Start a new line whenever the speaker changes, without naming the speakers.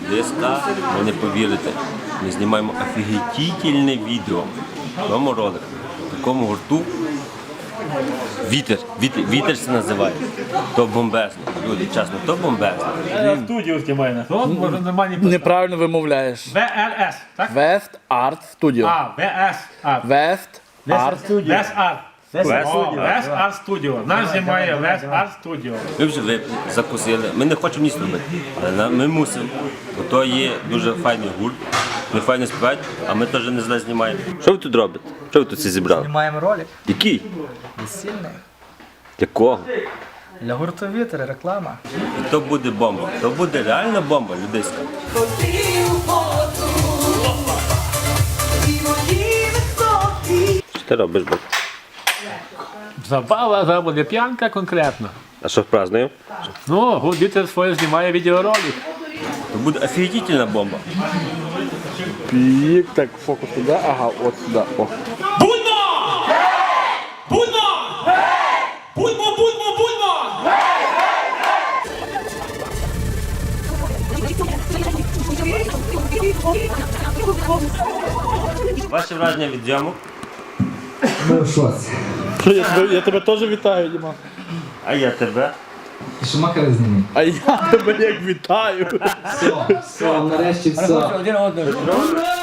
Людиська, ви не повірите. Ми знімаємо офігітельне відео в цьому ролику, в такому гурту. Вітер це називає. То бомбезно. Люди, чесно, то бомбезно.
Студію знімає. Може нормальні
Неправильно вимовляєш.
ВРС, так?
West Art Studio.
ВС Art.
West Art.
Вес Арт.
Studio.
Вес Арт Студіо. Нас знімає Вес Арт Студіо.
Ми вже випили, закусили. Ми не хочемо ніч робити, але ми мусимо. Бо то є дуже файний гурт. Ми файно співають, а ми теж не зле знімаємо. Що ви тут робите? Що ви тут всі зібрали?
Маємо ролик
Який?
весільний
Якого?
для гурту «Вітер», реклама.
І то буде бомба. То буде реальна бомба, людиська. Що ти робиш, бо?
Забава, зараз буде п'янка конкретно.
А що празднуємо?
Ну, гурт «Вітер» своє знімає відеоролик.
То буде офігітельна бомба.
Пік, так, фокус туди, ага, от сюди. О.
Будьмо! Будьмо! Будьмо, будьмо, будьмо!
Ваші враження від зйомок?
Ми в шоці.
Я тебе теж вітаю, Діма.
А я тебе.
І що макари знімемо?
А я тебе як вітаю.
Все, нарешті все.
Один одного.